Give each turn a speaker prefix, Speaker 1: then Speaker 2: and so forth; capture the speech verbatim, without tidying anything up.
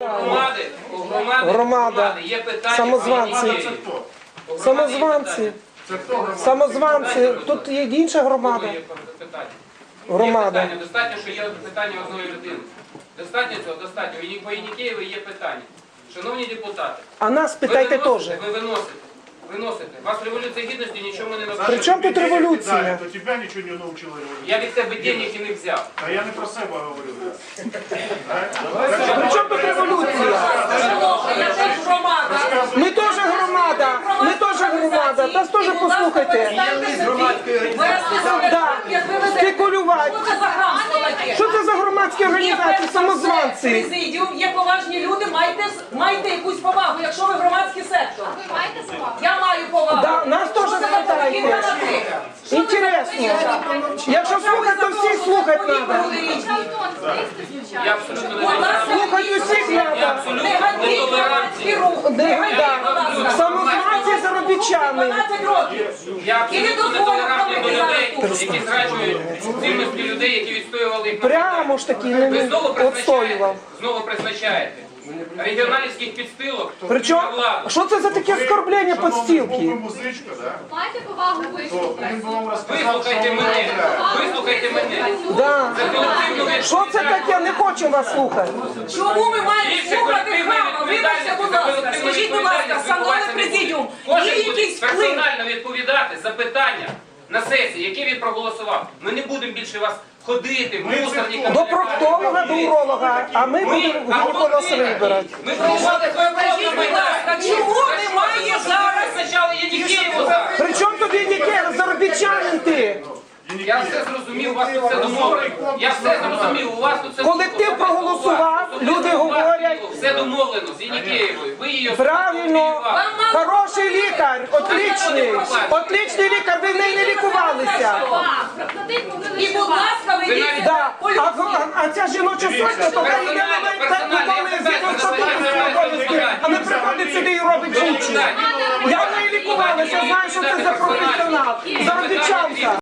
Speaker 1: громади, у громади,
Speaker 2: Громада.
Speaker 1: громади є питання.
Speaker 2: Самозванці.
Speaker 1: по Єнікеєві. У громади є
Speaker 2: Самозванці.
Speaker 1: питання.
Speaker 2: Самозванці. Тут є інша громада.
Speaker 1: Є питання.
Speaker 2: Громада.
Speaker 1: Є питання. Достатньо, що є питання одної людини. Достатньо цього, достатньо. І по Єнікеєві є питання. Шановні депутати,
Speaker 2: А нас
Speaker 1: ви
Speaker 2: питайте теж.
Speaker 1: виносите, ви виносите. Виносите. Вас революція гідності нічого не навчила.
Speaker 2: При чому тут революція?
Speaker 3: То тебе нічого не навчила революція.
Speaker 1: Я від тебе денег і не взяв.
Speaker 3: А я не про себе говорю.
Speaker 2: При чому тут революція?
Speaker 4: Я теж громада.
Speaker 2: Ми теж громада. Ми теж громада. Нас теж послухайте. Да. Спекулювати.
Speaker 4: Що це за грамство таке?
Speaker 2: Що це за громадські організації, самозванці?
Speaker 4: Президіум, є поважні люди, майте, майте якусь повагу, якщо ви громадський сектор.
Speaker 5: Ви маєте повагу?
Speaker 4: Я маю повагу.
Speaker 2: Да, нас теж
Speaker 4: Що це за
Speaker 2: запитайте.
Speaker 4: поведінка на ти? Що це за
Speaker 2: Інтересно.
Speaker 4: поведінка?
Speaker 2: Якщо слухати, то всіх слухати
Speaker 4: Подібні
Speaker 2: треба.
Speaker 4: люди різні.
Speaker 1: Я абсолютно не
Speaker 4: Будь ласка,
Speaker 2: Слухати усіх
Speaker 1: Я
Speaker 2: треба.
Speaker 1: абсолютно
Speaker 4: не ганьбіть громадський рух. Не ганьбіть, будь ласка.
Speaker 2: Самозванці заробітчани.
Speaker 4: дванадцять років.
Speaker 1: Я
Speaker 4: І не
Speaker 1: абсолютно
Speaker 4: дозволю
Speaker 1: нетолерантний до людей,
Speaker 4: проводити
Speaker 1: які зраджують цінності людей, які відстоювали їх. на
Speaker 2: Прямо ж таки не
Speaker 1: Ви знову призначаєте,
Speaker 2: відстоював.
Speaker 1: знову призначаєте регіоналівських підстилок
Speaker 2: Причому,
Speaker 1: на владу.
Speaker 2: що це за таке оскорблення
Speaker 3: Був би
Speaker 2: подстілки?
Speaker 3: музичка, да?
Speaker 5: Маєте повагу
Speaker 3: то
Speaker 5: вислухати?
Speaker 3: він би вам розказав,
Speaker 1: Вислухайте
Speaker 3: що
Speaker 1: мене,
Speaker 3: ви
Speaker 1: вислухайте мене.
Speaker 2: Да.
Speaker 1: Це колективну
Speaker 2: Що це таке? Не хочемо вас слухати.
Speaker 4: Чому ми маємо
Speaker 1: Більше
Speaker 4: слухати
Speaker 1: колективної
Speaker 4: хама? Вибачте, будь ласка.
Speaker 1: колективної
Speaker 4: Скажіть, будь ласка,
Speaker 1: відповідальності
Speaker 4: шановний
Speaker 1: відбувається
Speaker 4: президіум,
Speaker 1: не буде.
Speaker 4: є
Speaker 1: Кожен буде
Speaker 4: якийсь вплив?
Speaker 1: персонально відповідати за питання на сесії, які він проголосував. Ми не будемо більше вас ходити, мусорниками.
Speaker 2: До проктолога, до уролога, а ми будемо голос вибирати.
Speaker 1: Ми проголосували
Speaker 4: Скажіть, будь ласка, чому немає зараз?
Speaker 1: Спочатку Єнікеєву зараз.
Speaker 2: При чому тобі ніке? Заробітчанин ти?
Speaker 1: Я все зрозумів, у вас тут все домовлено. Я все зрозумів, у вас тут все
Speaker 2: Колектив проголосував, люди говорять.
Speaker 1: Все домовлено з Єнікеєвою. Ви її
Speaker 2: Правильно. Хороший лікар, отличний. Отличний лікар, ви в неї не лікувалися.
Speaker 4: І, будь ласка, ви
Speaker 1: Ви
Speaker 4: їдете
Speaker 1: навіть-
Speaker 2: Да. А,
Speaker 4: поліцію.
Speaker 2: а, а ця жіноча сотня, то хай йде на мене так виконує згідно статуту обов'язки, а не приходить сюди і робить жінчину. Я в неї лікувалася, знаю, що це за професіонал. Заробітчанка.